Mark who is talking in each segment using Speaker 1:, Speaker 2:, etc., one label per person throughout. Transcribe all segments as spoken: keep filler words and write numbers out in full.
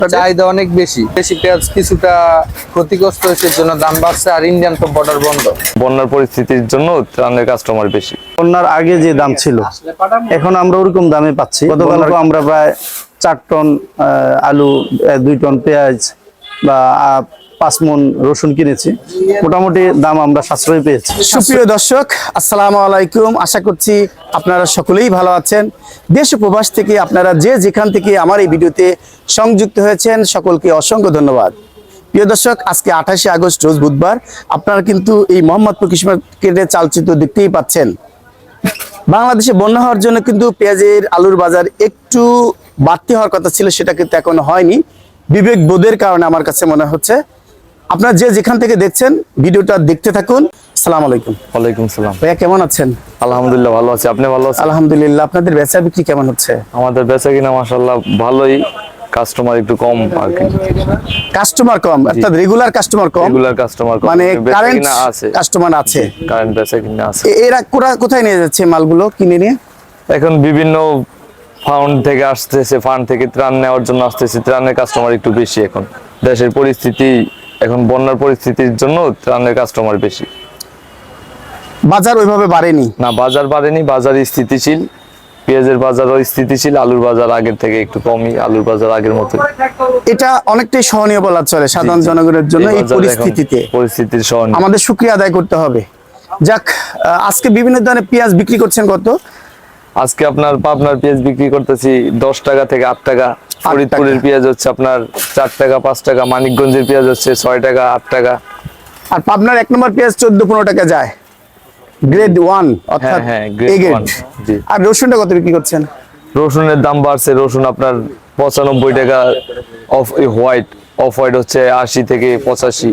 Speaker 1: চাহিদা অনেক বেশি দেশি পেঁয়াজ কিছুটা ক্ষতিগ্রস্ত হয়েছে, জন্য দাম বাড়ছে। আর ইন্ডিয়ান তো বর্ডার বন্ধ,
Speaker 2: বন্যার পরিস্থিতির জন্য ত্রাণের কাস্টমার বেশি।
Speaker 3: বন্যার আগে যে দাম ছিল এখন আমরা ওরকম দামে পাচ্ছি। গতকালকে আমরা প্রায় চার টন আলু, দুই টন পেঁয়াজ বা পাঁচ মন রসুন কিনেছি। মোটামুটি দাম আমরা সাশ্রয় পেয়েছি। সুপ্রিয় দর্শক, আসসালামু আলাইকুম। আশা করছি আপনারা সকলেই ভালো আছেন। দেশ ও প্রবাস থেকে আপনারা যে যেখান থেকে আমার এই ভিডিওতে সংযুক্ত হয়েছেন সকলকে অসংখ্য ধন্যবাদ। প্রিয় দর্শক, আজকে আঠাশে আগস্ট রোজ বুধবার। আপনারা কিন্তু এই মোহাম্মদপুর কৃষি মার্কেটের চালচিত্র দেখতেই পাচ্ছেন। বাংলাদেশে বন্যা হওয়ার জন্য কিন্তু পেঁয়াজের, আলুর বাজার একটু বাড়তি হওয়ার কথা ছিল, সেটা কিন্তু এখনো হয়নি। বিবেক বোধের কারণে আমার কাছে মনে হচ্ছে। আপনারা যে যেখান থেকে দেখছেন ভিডিওটা দেখতে থাকুন। আসসালামু আলাইকুম।
Speaker 2: ওয়ালাইকুম সালাম।
Speaker 3: ভাইয়া কেমন আছেন?
Speaker 2: আলহামদুলিল্লাহ ভালো আছি, আপনি ভালো আছেন?
Speaker 3: আলহামদুলিল্লাহ। আপনাদের বেচা বিক্রি কেমন হচ্ছে?
Speaker 2: আমাদের বেচা কিনা মাশাআল্লাহ ভালোই, কাস্টমার একটু কম আর কি।
Speaker 3: কাস্টমার কম অর্থাৎ রেগুলার কাস্টমার কম,
Speaker 2: রেগুলার কাস্টমার কম,
Speaker 3: মানে
Speaker 2: বেচা
Speaker 3: কারেন্ট
Speaker 2: কিনা আছে,
Speaker 3: কাস্টমার আছে।
Speaker 2: কারেন্ট বেচা কিনা আছে।
Speaker 3: এ- এরা কোরা- কোথায় নিয়ে যাচ্ছে মালগুলো কিনে নিয়ে?
Speaker 2: এখন বিভিন্ন ফান্ড থেকে আসতেছে, ফান্ড থেকে ত্রাণ নেওয়ার জন্য আসতেছে। ত্রাণের কাস্টমার একটু বেশি এখন। দেশের পরিস্থিতি এখন বন্যার পরিস্থিতির জন্য ত্রাণের কাস্টমার বেশি।
Speaker 3: বাজার ওইভাবে বাড়েনি।
Speaker 2: না, বাজার বাড়েনি, বাজার স্থিতিশীল। পেঁয়াজের বাজারও স্থিতিশীল, আলুর বাজার আগের থেকে একটু কমই, আলুর বাজার আগের মতো।
Speaker 3: এটা অনেকটাই সহনীয় বলা চলে সাধারণ জনগণের জন্য। এই পরিস্থিতিতে
Speaker 2: পরিস্থিতির সহনীয়
Speaker 3: আমাদের শুকরিয়া আদায় করতে হবে। যাক, আহ, আজকে বিভিন্ন ধরনের পেঁয়াজ বিক্রি করছেন কত?
Speaker 2: আজকে আপনার পাবনার পেঁয়াজ বিক্রি করতেছি দশ টাকা থেকে আট টাকা। ফরিদপুরের পেঁয়াজ হচ্ছে আপনার চার টাকা পাঁচ টাকা। মানিকগঞ্জের পেঁয়াজ হচ্ছে ছয় টাকা আট টাকা।
Speaker 3: আর পাবনার এক নম্বর পেঁয়াজ চোদ্দ পনেরো টাকা যায়, গ্রেড ওয়ান অর্থাৎ
Speaker 2: হ্যাঁ,
Speaker 3: এ
Speaker 2: গ্রেড
Speaker 3: গ্রেড।
Speaker 2: ওয়ান। জি।
Speaker 3: আর রসুনটা কত বিক্রি করছেন?
Speaker 2: রসুনের দাম বাড়ছে, রসুন আপনার পঁচানব্বই টাকা। অফ হোয়াইট অফ হোয়াইট হচ্ছে আশি থেকে পঁচাশি।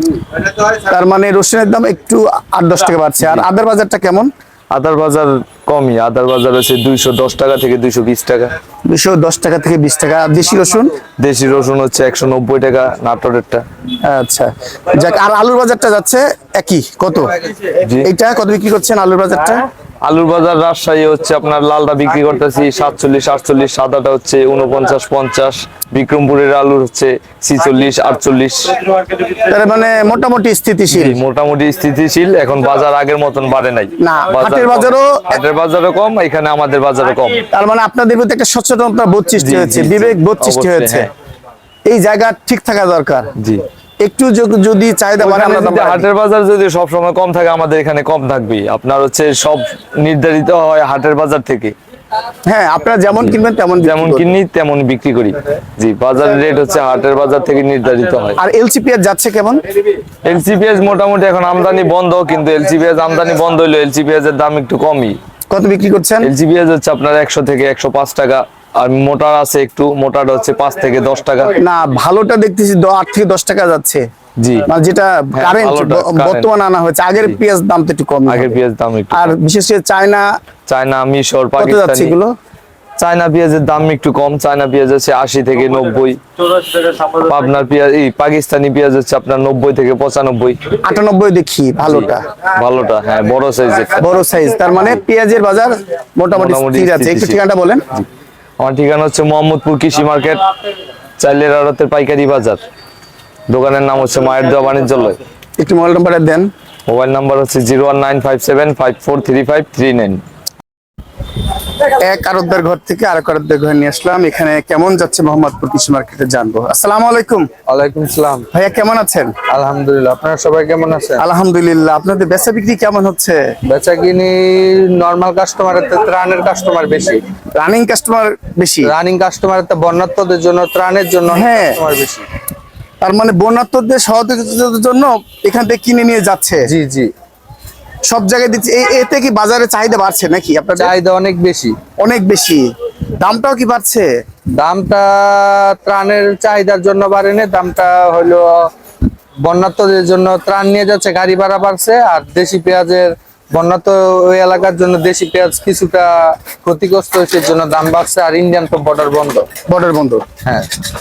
Speaker 3: তার মানে রসুনের দাম একটু আট দশ টাকা বাড়ছে। আর আদার বাজারটা কেমন?
Speaker 2: আদার বাজার কমই, আদার বাজার হচ্ছে দুইশো দশ টাকা থেকে দুইশো বিশ টাকা।
Speaker 3: দুশো দশ টাকা থেকে বিশ টাকা। আর দেশি রসুন?
Speaker 2: দেশি রসুন হচ্ছে একশো নব্বই টাকা নাটোরেরটা।
Speaker 3: আচ্ছা, যাক। আর আলুর বাজারটা যাচ্ছে একই, কত?
Speaker 2: জি।
Speaker 3: এইটা কত বিক্রি করছেন আলুর বাজারটা?
Speaker 2: আলুর বাজার রাজশাহী হচ্ছে আপনার লালটা বিক্রি করতেছি সাতচল্লিশ আটচল্লিশ, সাদাটা হচ্ছে উনপঞ্চাশ পঞ্চাশ। বিক্রমপুরের আলু হচ্ছে ছিচল্লিশ আটচল্লিশ।
Speaker 3: তার মানে মোটামুটি স্থিতিশীল।
Speaker 2: মোটামুটি স্থিতিশীল, এখন বাজার আগের মতন বাড়ে নাই।
Speaker 3: না,
Speaker 2: বাজার
Speaker 3: হাটের
Speaker 2: কম।
Speaker 3: বাজারও
Speaker 2: হাটের বাজারও কম, এখানে আমাদের বাজারও কম।
Speaker 3: তার মানে আপনাদের প্রতি একটা সচেতনতা বোধ সৃষ্টি
Speaker 2: জি,
Speaker 3: হয়েছে,
Speaker 2: জি, জি।
Speaker 3: বিবেক বোধ সৃষ্টি
Speaker 2: অবশ্যই,
Speaker 3: হয়েছে।
Speaker 2: হ্যাঁ।
Speaker 3: এই জায়গা ঠিক থাকা দরকার।
Speaker 2: জি।
Speaker 3: একটু য- যদি চাহিদা বাড়ে
Speaker 2: ওখানে
Speaker 3: আমরা দাম
Speaker 2: যদি
Speaker 3: বাড়াই
Speaker 2: হাটের বাজার যদি সব সময় কম থাকে, আমাদের এখানে কম থাকবেই। আপনার হচ্ছে সব নির্ধারিত হয় হাটের বাজার থেকে।
Speaker 3: দিই। হ্যাঁ, আপনারা যেমন কিনবেন তেমন বিক্রি
Speaker 2: যেমন
Speaker 3: করবেন।
Speaker 2: কিনি তেমন বিক্রি করি। জি, বাজারের রেট হচ্ছে হাটের বাজার থেকে নির্ধারিত হয়।
Speaker 3: আর এলসি পেঁয়াজ যাচ্ছে কেমন?
Speaker 2: এলসি পেঁয়াজ মোটামুটি এখন আমদানি বন্ধ, কিন্তু এলসি পেঁয়াজ আমদানি বন্ধ হইলো এলসি পেঁয়াজের দাম একটু কমই।
Speaker 3: কত বিক্রি করছেন?
Speaker 2: এলসি পেঁয়াজ হচ্ছে আপনার একশো থেকে একশো পাঁচ টাকা। আর মোটার আছে একটু, মোটাটা হচ্ছে পাঁচ থেকে দশ টাকা।
Speaker 3: না, ভালোটা দেখতেছি দ- আট থেকে দশ টাকা যাচ্ছে।
Speaker 2: জি।
Speaker 3: মানে যেটা
Speaker 2: হ্যাঁ,
Speaker 3: কারেন্ট
Speaker 2: ভালোটা, current।
Speaker 3: বর্তমানে আনা হয়েছে। আগের
Speaker 2: জি।
Speaker 3: পেঁয়াজ দাম তো একটু কম।
Speaker 2: আগের পেঁয়াজ দাম একটু
Speaker 3: আর
Speaker 2: কম।
Speaker 3: বিশেষ করে চায়না
Speaker 2: চায়না, মিশর,
Speaker 3: কত যাচ্ছে
Speaker 2: পাকিস্তানি।
Speaker 3: এগুলো?
Speaker 2: চায়না পেঁয়াজের দাম একটু কম, চায়না পেঁয়াজ হচ্ছে আশি থেকে নব্বই। পাবনার পেঁয়াজ এই পাকিস্তানি পেঁয়াজ হচ্ছে আপনার নব্বই থেকে পঁচানব্বই।
Speaker 3: আটানব্বই দেখি ভালোটা,
Speaker 2: ভালোটা, হ্যাঁ, বড় সাইজের।
Speaker 3: বড় সাইজ। তার মানে পেঁয়াজের বাজার মোটামুটি
Speaker 2: মোটামুটি
Speaker 3: স্থির আছে। একটু
Speaker 2: স্থিতিশীল।
Speaker 3: ঠিকানাটা বলেন।
Speaker 2: আমার ঠিকানা হচ্ছে মোহাম্মদপুর কৃষি মার্কেট, চাইলের আড়তের পাইকারি বাজার। দোকানের নাম হচ্ছে মায়ের দেওয়া বাণিজ্যালয়।
Speaker 3: একটু মোবাইল নাম্বারটা দেন।
Speaker 2: মোবাইল নাম্বার হচ্ছে zero one nine five seven five four three five three nine.
Speaker 3: এক আরবদার ঘর থেকে আরেক আরবদার ঘরে নিয়ে আসলাম। এখানে কেমন যাচ্ছে মোহাম্মদপুর কৃষি মার্কেটে জানবো। আসসালামু আলাইকুম।
Speaker 1: ওয়ালাইকুম সালাম।
Speaker 3: ভাইয়া কেমন আছেন?
Speaker 1: আলহামদুলিল্লাহ, আপনারা সবাই কেমন আছেন?
Speaker 3: আলহামদুলিল্লাহ। আপনাদের বেচা বিক্রি কেমন হচ্ছে?
Speaker 1: বেচা কিনি নর্মাল কাস্টমারের থেকে ত্রাণের কাস্টমার বেশি।
Speaker 3: রানিং কাস্টমার বেশি।
Speaker 1: রানিং কাস্টমারের থেকে বন্যার্থদের জন্য, ত্রাণের জন্য
Speaker 3: হ্যাঁ।
Speaker 1: কাস্টমার বেশি।
Speaker 3: তার মানে বন্যার্থদের সহযোগিতার জন্য এখান থেকে কিনে নিয়ে যাচ্ছে।
Speaker 1: জি জি,
Speaker 3: সব জায়গায় দিচ্ছে। এই এতে কি বাজারে চাহিদা বাড়ছে নাকি আপনাদের?
Speaker 1: চাহিদা অনেক বেশি।
Speaker 3: অনেক বেশি। দামটাও কি বাড়ছে?
Speaker 1: দামটা ত্রাণের চাহিদার জন্য বাড়েনি, দামটা হলো বন্যার্থদের জন্য ত্রাণ নিয়ে যাচ্ছে, গাড়ি ভাড়া বাড়ছে। আর দেশি পেঁয়াজের বন্যার্থ ওই এলাকার জন্য দেশি পেঁয়াজ কিছুটা ক্ষতিগ্রস্ত হয়েছে, জন্য দাম বাড়ছে। আর ইন্ডিয়ান তো বর্ডার বন্ধ।
Speaker 3: বর্ডার বন্ধ।
Speaker 1: হ্যাঁ।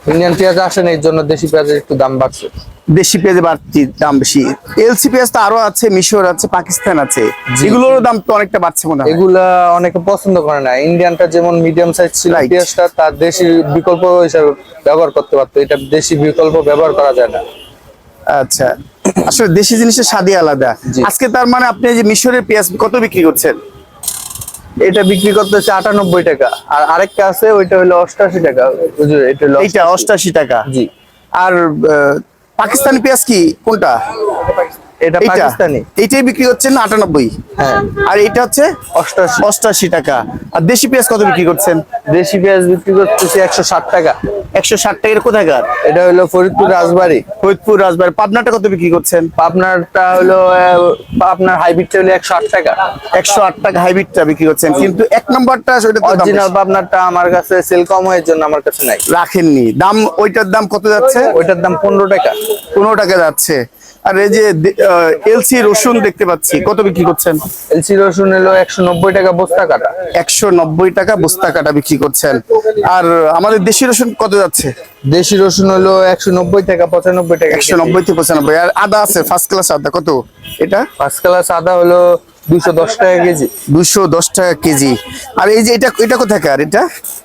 Speaker 1: ইন্ডিয়ান পেঁয়াজ আসে না, এর জন্য দেশি পেঁয়াজের একটু দাম বাড়ছে।
Speaker 4: দেশি পেঁয়াজের বাড়তি দাম বেশি। এলসি পেঁয়াজ তো আরো আছে, মিশর আছে, পাকিস্তান আছে, এগুলোর দাম তো অনেকটা বাড়ছে মনে হয়।
Speaker 1: এগুলা অনেকে পছন্দ করে না। ইন্ডিয়ানটা যেমন মিডিয়াম সাইজ ছিল
Speaker 4: Right.
Speaker 1: পেঁয়াজটা, তার দেশি বিকল্প হিসাবে ব্যবহার করতে পারতো, এটা দেশি বিকল্প ব্যবহার করা যায় না।
Speaker 4: আচ্ছা, আসলে দেশি জিনিসের স্বাদই আলাদা।
Speaker 1: জি।
Speaker 4: আজকে তার মানে আপনি এই যে মিশরের পেঁয়াজ কত বিক্রি করছেন?
Speaker 1: এটা বিক্রি করতেছে আটানব্বই টাকা, আর আরেকটা আছে ওইটা হলো অষ্টাশি টাকা। বুঝলি, এটা হলো
Speaker 4: এইটা অষ্টাশি টাকা।
Speaker 1: জি।
Speaker 4: আর আহ, পাকিস্তানি পেঁয়াজ কি কোনটা?
Speaker 1: এটা
Speaker 4: এইটা
Speaker 1: পাকিস্তানি।
Speaker 4: এইটাই বিক্রি হচ্ছে না আটানব্বই?
Speaker 1: হ্যাঁ।
Speaker 4: আর এটা হচ্ছে
Speaker 1: অষ্টাশি।
Speaker 4: অষ্টাশি টাকা। আর দেশি পেঁয়াজ কত বিক্রি করছেন?
Speaker 1: দেশি পেঁয়াজ বিক্রি করতেছে একশো ষাট টাকা।
Speaker 4: একশো ষাট টাকার কোথাকার?
Speaker 1: এটা হলো ফরিদপুর রাজবাড়ী।
Speaker 4: ফরিদপুর রাজবাড়ি। পাবনাটা কত বিক্রি করছেন?
Speaker 1: আপনারটা হলো আহ, আপনার হাইব্রিডটা হলো একশো আট টাকা।
Speaker 4: একশো আট টাকা হাইব্রিডটা বিক্রি করছেন, কিন্তু এক নম্বরটা ওইটা তো দাম
Speaker 1: অরিজিনাল
Speaker 4: বেশি।
Speaker 1: পাবনারটা আমার কাছে সেল কম হওয়ার জন্য আমার কাছে নাই।
Speaker 4: রাখেননি দাম, ওইটার দাম কত যাচ্ছে?
Speaker 1: ওইটার দাম পনেরো টাকা।
Speaker 4: পনেরো টাকা যাচ্ছে। আর এই যে এলসি রসুন দেখতে পাচ্ছি, কত বিক্রি করছেন?
Speaker 1: এলসি রসুন হলো একশো নব্বই টাকা বস্তা কাটা।
Speaker 4: একশো নব্বই টাকা বস্তা কাটা বিক্রি করছেন। আর আমাদের দেশি রসুন কত যাচ্ছে?
Speaker 1: দেশি রসুন হলো একশো নব্বই টাকা, পঁচানব্বই টাকা।
Speaker 4: একশো নব্বই থেকে পঁচানব্বই। আর আদা আছে ফার্স্ট ক্লাস আদা, কত এটা?
Speaker 1: ফার্স্ট ক্লাস আদা হলো দুশো দশ টাকা কেজি।
Speaker 4: দুশো দশ টাকা কেজি। আর এই যে এটা এটা কোথাকার? এটা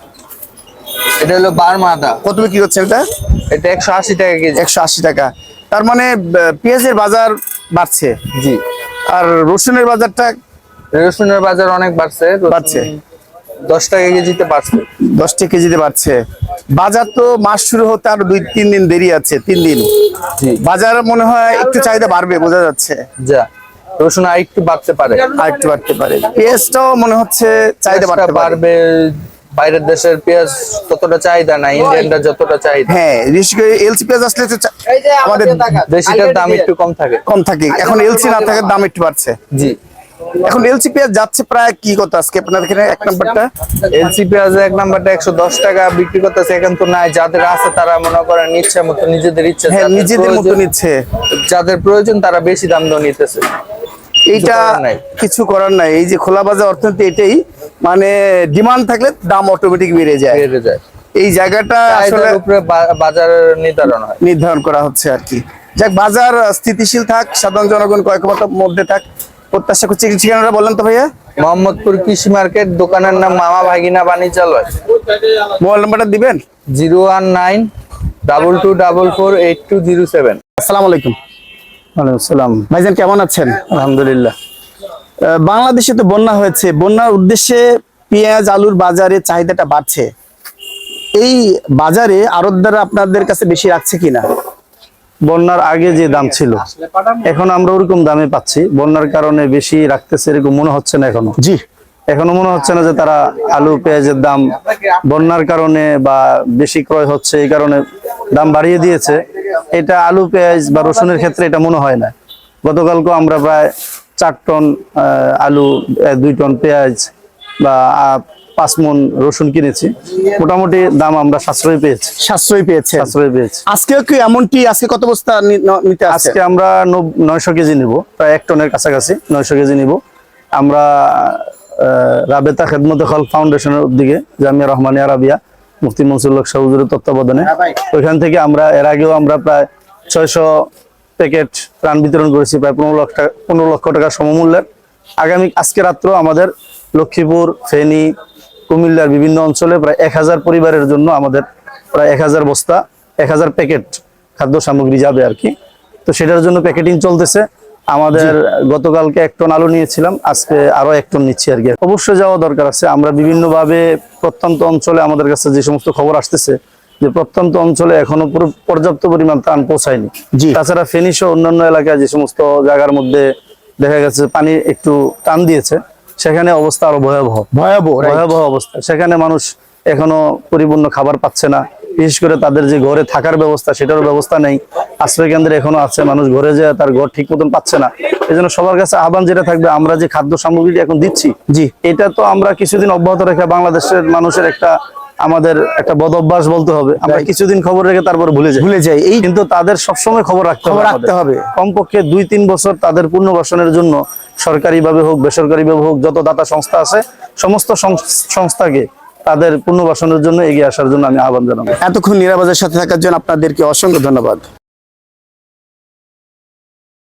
Speaker 1: এটা হলো বার্মা আদা।
Speaker 4: কত বিক্রি করছেন এটা?
Speaker 1: এটা একশো আশি টাকা কেজি।
Speaker 4: একশো আশি টাকা। তার মানে আহ, পেঁয়াজের বাজার বাড়ছে,
Speaker 1: জি।
Speaker 4: আর রসুনের বাজারটা
Speaker 1: রসুনের বাজার অনেক বাড়ছে। রসুন
Speaker 4: বাড়ছে।
Speaker 1: দশ টাকা কেজিতে বাড়ছে।
Speaker 4: দশ টাকা কেজিতে বাড়ছে। বাজার তো মাস শুরু হতে আরো দুই তিন দিন দেরি আছে, তিন দিন।
Speaker 1: জি।
Speaker 4: বাজার মনে হয় একটু চাহিদা বাড়বে, বোঝা যাচ্ছে।
Speaker 1: যা রসুন আর একটু বাড়তে পারে।
Speaker 4: আর একটু বাড়তে পারে। পেঁয়াজটাও মনে হচ্ছে চাহিদা
Speaker 1: পেঁয়াজটা
Speaker 4: বাড়তে পারবে।
Speaker 1: বাড়বে। বাইরের দেশের পেঁয়াজ ততটা চাহিদা না, ইন্ডিয়ানটা যতটা চাহিদা।
Speaker 4: হ্যাঁ, বিশেষ করে এলসি পেঁয়াজ আসলে তো চা- আমাদের
Speaker 1: দেশিটার দাম একটু কম থাকে।
Speaker 4: কম থাকে। এখন এলসি না থাকার দাম একটু বাড়ছে।
Speaker 1: জি।
Speaker 4: এখন এলসি পেঁয়াজ যাচ্ছে প্রায় কি কত আজকে আপনাদের এখানে এক নাম্বারটা?
Speaker 1: এলসি পেঁয়াজ এক নাম্বারটা একশো দশ টাকা বিক্রি করতেছে। এখন তো নাই, যাদের আছে তারা মনে করেন ইচ্ছা মতো নিজেদের ইচ্ছা,
Speaker 4: হ্যাঁ,
Speaker 1: যাদের
Speaker 4: নিজেদের মতো
Speaker 1: প্রয়োজন-
Speaker 4: নিচ্ছে।
Speaker 1: যাদের প্রয়োজন তারা বেশি দাম দিয়ে নিতেছে।
Speaker 4: এইটা
Speaker 1: করার নাই।
Speaker 4: কিছু করার নাই। এই যে খোলা বাজার অর্থনীতি, এটাই মানে ডিমান্ড থাকলে দাম অটোমেটিক বেড়ে যায়।
Speaker 1: বেড়ে যায়।
Speaker 4: এই জায়গাটা আসলে
Speaker 1: চাহিদার উপরে বা- বাজার নির্ধারণ হয়।
Speaker 4: নির্ধারণ করা হচ্ছে আর কি। যাক, বাজার স্থিতিশীল থাক, সাধারণ জনগণ কয়েকমাত্র মধ্যে থাক, প্রত্যাশা করছি। ঠিকানাটা বলেন তো ভাইয়া।
Speaker 1: মোহাম্মদপুর কৃষি মার্কেট, দোকানের নাম মামা ভাগিনা বাণিজ্যালয়।
Speaker 4: মোবাইল নাম্বারটা দিবেন।
Speaker 1: Zero one nine double two double four eight two zero seven.
Speaker 4: আসসালামু আলাইকুম।
Speaker 3: ওয়ালাইকুম আসসালাম।
Speaker 4: ভাইজান কেমন আছেন?
Speaker 3: আলহামদুলিল্লাহ।
Speaker 4: আহ, বাংলাদেশে তো বন্যা হয়েছে, বন্যার উদ্দেশ্যে পেঁয়াজ আলুর বাজারে চাহিদাটা বাড়ছে। এই বাজারে আড়তদাররা আপনাদের কাছে বেশি রাখছে কিনা?
Speaker 3: বন্যার আগে যে দাম ছিল এখন আমরা ওরকম দামে পাচ্ছি। বন্যার কারণে বেশি রাখতেছে এরকম মনে হচ্ছে না এখনো।
Speaker 4: জি।
Speaker 3: এখনো মনে হচ্ছে না যে তারা আলু পেঁয়াজের দাম বন্যার কারণে বা বেশি ক্রয় হচ্ছে এই কারণে দাম বাড়িয়ে দিয়েছে। এটা আলু পেঁয়াজ বা রসুনের ক্ষেত্রে এটা মনে হয় না। গতকালকে আমরা প্রায় চার টন আহ, আলু, আহ, দুই টন পেঁয়াজ বা আহ, পাঁচ মন রসুন কিনেছি। মোটামুটি দাম আমরা সাশ্রয় পেয়েছি।
Speaker 4: সাশ্রয় পেয়েছে।
Speaker 3: সাশ্রয় পেয়েছি।
Speaker 4: আজকে কি এমনটি? আজকে কত বস্তা নি- ন- নিতে আসছে?
Speaker 3: আজকে আমরা নব- নয়শো কেজি নিব, প্রায় এক টনের কাছাকাছি নয়শো কেজি নিব। আমরা আহ, রাবেতা খেদমতে খলক ফাউন্ডেশনের উদ্যোগে জামিয়া রহমানিয়া আরাবিয়া মুফতি মনসুর হক শাহ হুজুরের তত্ত্বাবধানে ওইখান থেকে আমরা এর আগেও আমরা প্রায় ছয়শো প্যাকেট ত্রাণ বিতরণ করেছি, প্রায় পনেরো লক্ষ টাকা পনেরো লক্ষ টাকা সমমূল্যের। আগামী আজকে রাত্র আমাদের লক্ষ্মীপুর, ফেনী, কুমিল্লার বিভিন্ন অঞ্চলে প্রায় এক হাজার পরিবারের জন্য আমাদের প্রায় এক হাজার বস্তা, এক হাজার প্যাকেট খাদ্য সামগ্রী যাবে আর কি। তো সেটার জন্য প্যাকেটিং চলতেছে। আমাদের গতকালকে এক টন আলু নিয়েছিলাম, আজকে আরো এক টন নিচ্ছি আর কি। অবশ্যই যাওয়া দরকার আছে। আমরা বিভিন্ন ভাবে প্রত্যন্ত অঞ্চলে আমাদের কাছে যে সমস্ত খবর আসতেছে যে প্রত্যন্ত অঞ্চলে এখনো পুরো পর্যাপ্ত পরিমাণ ত্রাণ পৌঁছায়নি।
Speaker 4: জি।
Speaker 3: তাছাড়া ফেনী সহ অন্যান্য এলাকায় যে সমস্ত জায়গার মধ্যে দেখা গেছে পানি একটু টান দিয়েছে, সেখানে অবস্থা আরো ভয়াবহ
Speaker 4: ভয়াবহ, right?
Speaker 3: ভয়াবহ অবস্থা। সেখানে মানুষ এখনো পরিপূর্ণ খাবার পাচ্ছে না। বিশেষ করে তাদের যে ঘরে থাকার ব্যবস্থা সেটারও ব্যবস্থা নেই। আশ্রয় কেন্দ্রে এখনো আছে, মানুষ ঘরে যায় তার ঘর ঠিক মতন পাচ্ছে না। এই জন্য সবার কাছে আহ্বান যেটা থাকবে, আমরা যে খাদ্য সামগ্রী এখন দিচ্ছি,
Speaker 4: জি,
Speaker 3: এটা তো আমরা কিছুদিন অব্যাহত রেখে বাংলাদেশের মানুষের একটা আমাদের একটা বদ অভ্যাস বলতে হবে। আমরা
Speaker 4: Right.
Speaker 3: কিছুদিন খবর রেখে তারপর ভুলে যাই
Speaker 4: ভুলে যাই। এই
Speaker 3: কিন্তু তাদের সবসময় খবর রাখতে
Speaker 4: খবর
Speaker 3: হবে
Speaker 4: রাখতে
Speaker 3: আমাদের।
Speaker 4: হবে।
Speaker 3: কমপক্ষে দুই তিন বছর তাদের পুনর্বাসনের জন্য সরকারি ভাবে হোক বেসরকারি ভাবে হোক যত দাতা সংস্থা আছে সমস্ত সং- সংস্থাকে তাদের পুনর্বাসনের জন্য এগিয়ে আসার জন্য আমি আহ্বান জানাবো।
Speaker 4: এতক্ষণ নিরাপদের সাথে থাকার জন্য আপনাদেরকে অসংখ্য ধন্যবাদ।